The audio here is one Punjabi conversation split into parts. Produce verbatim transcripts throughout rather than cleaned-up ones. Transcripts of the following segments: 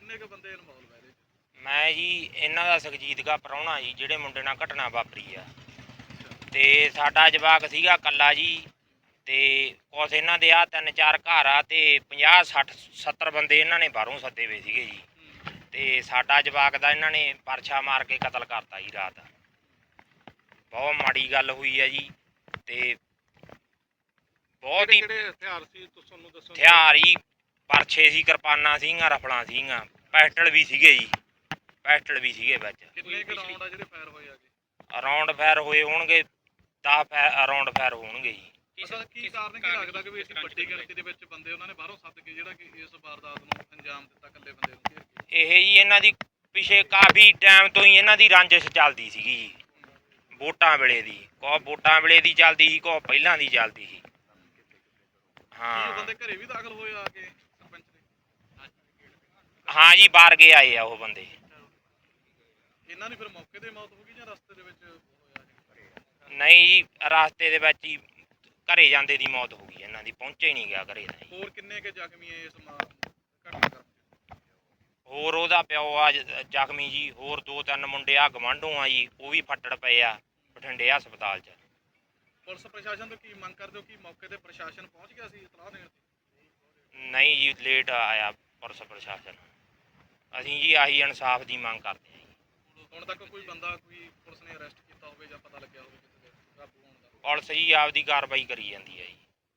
ਕਿੰਨੇ ਕੁ ਬੰਦੇ ਇਨਵੋਲਵ ਹੈ ਇਹਦੇ 'ਚ? ਮੈਂ ਜੀ ਇਹਨਾਂ ਦਾ ਸੁਖਜੀਤ ਦਾ ਪ੍ਰਾਹੁਣਾ ਜੀ, ਜਿਹੜੇ ਮੁੰਡੇ ਨਾਲ ਘਟਨਾ ਵਾਪਰੀ ਆ। ਤੇ ਸਾਡਾ ਜਵਾਕ ਸੀਗਾ ਕੱਲਾ ਜੀ। ਤੇ ਕੁਛ ਇਹਨਾਂ ਦੇ ਆ ਤਿੰਨ ਚਾਰ ਘਰ ਆ ਤੇ ਪੰਜਾਹ ਸੱਠ ਸੱਤਰ ਬੰਦੇ ਇਹਨਾਂ ਨੇ ਬਾਹਰੋਂ ਸੱਦੇ ਹੋਏ ਸੀਗੇ ਜੀ। ਤੇ ਸਾਡਾ ਜਵਾਕ ਦਾ ਇਹਨਾਂ ਨੇ ਪਰਛਾ ਮਾਰ ਕੇ ਕਤਲ ਕਰਤਾ ਜੀ ਰਾਤ। ਬਹੁਤ ਮਾੜੀ ਗੱਲ ਹੋਈ ਹੈ ਜੀ। ਤੇ ਬਹੁਤ ਹੀ ਹਥਿਆਰ ਸੀ ਤੁਹਾਨੂੰ ਦੱਸੋ? ਹਥਿਆਰ ਜੀ ਪਰਛੇ ਸੀ, ਕਿਰਪਾਨਾਂ ਸੀਗੀਆਂ, ਰਫਲਾਂ ਸੀਗੀਆਂ, ਪੈਸਟਲ ਵੀ ਸੀਗੇ ਜੀ, ਪੈਸਟਲ ਵੀ ਸੀਗੇ ਵਿੱਚ। ਕਿੰਨੇ ਕੁ ਰਾਉਂਡ ਆ ਜਿਹੜੇ ਫਾਇਰ ਹੋਏ ਆਗੇ? ਰਾਉਂਡ ਫਾਇਰ ਹੋਏ ਹੋਣਗੇ ਦਸ ਰਾਉਂਡ ਫਾਇਰ ਹੋਣਗੇ ਜੀ। ਅਸਲ ਕੀ ਕਾਰਨ ਕੀ ਲੱਗਦਾ ਕਿ ਵੀ ਅਸੀਂ ਵੱਡੀ ਗਿਣਤੀ ਦੇ ਵਿੱਚ ਬੰਦੇ ਉਹਨਾਂ ਨੇ ਬਾਹਰੋਂ ਸੱਦ ਕੇ ਜਿਹੜਾ ਕਿ ਇਸ ਵਾਰਦਾਤ ਨੂੰ ਅੰਜਾਮ ਦਿੱਤਾ ਇਕੱਲੇ ਬੰਦੇ ਨੂੰ ਘੇਰ ਕੇ? ਇਹ ਜੀ ਇਹਨਾਂ ਦੀ ਪਿਛੇ ਕਾਫੀ ਟਾਈਮ ਤੋਂ ਹੀ ਇਹਨਾਂ ਦੀ ਰੰਜਿਸ਼ ਚੱਲਦੀ ਸੀਗੀ ਜੀ, ਵੋਟਾਂ ਵੇਲੇ ਦੀ। ਕੋ ਵੋਟਾਂ ਵੇਲੇ ਦੀ ਚੱਲਦੀ ਸੀ, ਕੋ ਪਹਿਲਾਂ ਦੀ ਚੱਲਦੀ ਸੀ। ਹਾਂ ਬੰਦੇ ਘਰੇ ਵੀ ਦਾਖਲ ਹੋਏ ਆ ਕੇ ਸਰਪੰਚ ਦੇ? ਹਾਂ ਜੀ, ਬਾਹਰ ਗਏ ਆਏ ਆ ਉਹ ਬੰਦੇ। ਇਹਨਾਂ ਦੀ ਫਿਰ ਮੌਕੇ ਤੇ ਮੌਤ ਹੋ ਗਈ ਜਾਂ ਰਸਤੇ ਦੇ ਵਿੱਚ ਹੋਇਆ? ਨਹੀਂ ਜੀ, ਰਸਤੇ ਦੇ ਵਿੱਚ ਹੀ ਘਰੇ ਜਾਂਦੇ ਦੀ ਮੌਤ ਹੋ ਗਈ ਇਹਨਾਂ ਦੀ, ਪਹੁੰਚੇ ਹੀ ਨਹੀਂ ਗਿਆ ਘਰੇ ਦਾ ਜੀ। ਹੋਰ ਕਿੰਨੇ ਕੁ ਜ਼ਖਮੀ ਇਸ ਘਟਨਾ ਕਰ? ਹੋਰ ਉਹਦਾ ਪਿਓ ਆ ਜ਼ਖਮੀ ਜੀ। ਹੋਰ ਦੋ ਤਿੰਨ ਮੁੰਡੇ ਆ ਗਵਾਂਢੋਂ ਆ ਜੀ, ਉਹ ਵੀ ਫੱਟੜ ਪਏ ਆ ਬਠਿੰਡੇ ਹਸਪਤਾਲ 'ਚ। ਪੁਲਿਸ ਪ੍ਰਸ਼ਾਸਨ ਤੋਂ ਕੀ ਮੰਗ ਕਰਦੇ ਹੋ ਕਿ ਮੌਕੇ ਤੇ ਪ੍ਰਸ਼ਾਸਨ ਪਹੁੰਚ ਗਿਆ ਸੀ ਇਤਲਾਹ ਦੇਣ? ਨਹੀਂ ਜੀ, ਲੇਟ ਆਇਆ ਪੁਲਿਸ ਪ੍ਰਸ਼ਾਸਨ। ਅਸੀਂ ਜੀ ਆਹੀ ਇਨਸਾਫ ਦੀ ਮੰਗ ਕਰਦੇ ਹਾਂ ਜੀ। ਹੁਣ ਤੱਕ ਕੋਈ ਬੰਦਾ ਕੋਈ ਪੁਲਿਸ ਨੇ ਅਰੈਸਟ ਕੀਤਾ ਹੋਵੇ ਜਾਂ ਪਤਾ ਲੱਗਿਆ ਹੋਵੇ ਕਿਸੇ ਦੇ ਕਾਬੂ ਹੋਣ ਦਾ? ਪੁਲਿਸ ਜੀ ਆਪਦੀ ਕਾਰਵਾਈ ਕਰੀ ਜਾਂਦੀ ਹੈ ਜੀ।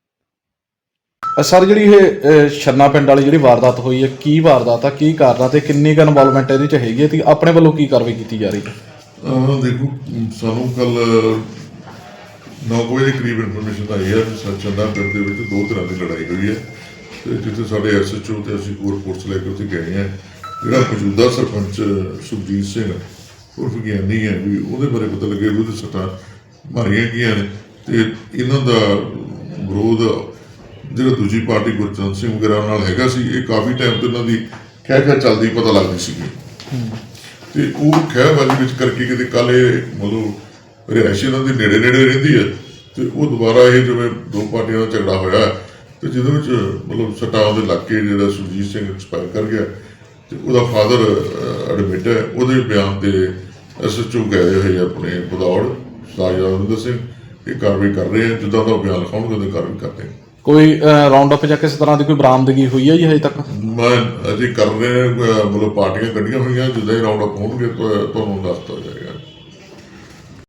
ਸਰ, ਜਿਹੜੀ ਇਹ ਛੰਨਾ ਪਿੰਡ ਵਾਲੀ ਜਿਹੜੀ ਵਾਰਦਾਤ ਹੋਈ ਹੈ, ਕੀ ਵਾਰਦਾਤ ਆ, ਕੀ ਕਾਰਨ ਤੇ ਕਿੰਨੀ ਕੁ ਇਨਵੋਲਵਮੈਂਟ ਇਹਦੇ 'ਚ ਹੈਗੀ ਹੈ ਤੇ ਆਪਣੇ ਵੱਲੋਂ ਕੀ ਕਾਰਵਾਈ ਕੀਤੀ ਜਾ ਰਹੀ ਹੈ? ਦੇਖੋ, ਸਾਨੂੰ ਕੱਲ ਨੌ ਵਜੇ ਦੇ ਕਰੀਬ ਇਨਫੋਰਮੇਸ਼ਨ ਆਈ ਹੈ ਕਿ ਛੰਨਾ ਪਿੰਡ ਦੇ ਵਿੱਚ ਦੋ ਤਰ੍ਹਾਂ ਦੀ ਲੜਾਈ ਹੋਈ ਹੈ। ਤੇ ਜਿੱਥੇ ਸਾਡੇ ਐਸ ਐਚ ਓ ਤੇ ਅਸੀਂ ਹੋਰ ਫੋਰਸ ਲੈ ਕੇ ਉੱਥੇ ਗਏ ਹਾਂ। ਜਿਹੜਾ ਮੌਜੂਦਾ ਸਰਪੰਚ ਸੁਖਜੀਤ ਸਿੰਘ ਉਰਫ ਗਿਆਨੀ ਹੈ ਵੀ ਉਹਦੇ ਬਾਰੇ ਪਤਾ ਲੱਗਿਆ ਵੀ ਉਹਦੇ ਸੱਟਾਂ ਮਾਰੀਆਂ ਗਈਆਂ ਨੇ। ਤੇ ਇਹਨਾਂ ਦਾ ਵਿਰੋਧ ਜਿਹੜਾ ਦੂਜੀ ਪਾਰਟੀ ਗੁਰਚਰਨ ਸਿੰਘ ਵਗੈਰਾ ਨਾਲ ਹੈਗਾ ਸੀ, ਇਹ ਕਾਫੀ ਟਾਈਮ ਤੋਂ ਇਹਨਾਂ ਦੀ ਖਹਿ ਖਹਿ ਚੱਲਦੀ ਪਤਾ ਲੱਗਦੀ ਸੀਗੀ। ਤੇ ਉਹ ਖਹਿਬਾਜ਼ੀ ਵਿੱਚ ਕਰਕੇ ਕਿਤੇ ਕੱਲ ਇਹ ਮਤਲਬ ਰਿਹਾਇਸ਼ ਇਹਨਾਂ ਦੇ ਨੇੜੇ ਨੇੜੇ ਰਹਿੰਦੀ ਹੈ। ਤੇ ਉਹ ਦੁਬਾਰਾ ਇਹ ਜਿਵੇਂ ਦੋ ਪਾਰਟੀਆਂ ਦਾ ਝਗੜਾ ਹੋਇਆ ਤੇ ਜਿਹਦੇ ਵਿੱਚ ਮਤਲਬ ਸੱਟਾਂ ਉਹਦੇ ਲੱਗ ਕੇ ਜਿਹੜਾ ਸੁਰਜੀਤ ਸਿੰਘ ਐਕਸਪਾਇਰ ਕਰ ਗਿਆ। ਤੇ ਉਹਦਾ ਫਾਦਰ ਐਡਮਿਟ ਹੈ। ਉਹਦੇ ਬਿਆਨ ਤੇ ਐਸ ਐਚ ਓ ਗਏ ਹੋਏ ਆਪਣੇ ਬਦੌੜ ਰਾਜਿੰਦਰ ਸਿੰਘ ਇਹ ਕਾਰਵਾਈ ਕਰ ਰਹੇ ਆ। ਜਿੱਦਾਂ ਉਹਦਾ ਬਿਆਨ ਲਿਖਾਉਣਗੇ ਉਹਦੇ ਕਾਰਵਾਈ ਕਰਦੇ। ਕੋਈ ਰਾਉਂਡ ਅਪ ਜਾਂ ਕਿਸੇ ਤਰ੍ਹਾਂ ਦੀ ਕੋਈ ਬਰਾਮਦਗੀ ਹੋਈ ਹੈ ਜੀ ਹਜੇ ਤੱਕ? ਮੈਂ ਅਜੇ ਕਰ ਰਹੇ ਮਤਲਬ ਪਾਰਟੀਆਂ ਕੱਢੀਆਂ ਹੋਈਆਂ, ਜਿੱਦਾਂ ਹੀ ਰਾਉਂਡ ਅਪ ਹੋਣਗੇ ਤੁਹਾਨੂੰ ਦੱਸਦਾ ਜਾਏਗਾ।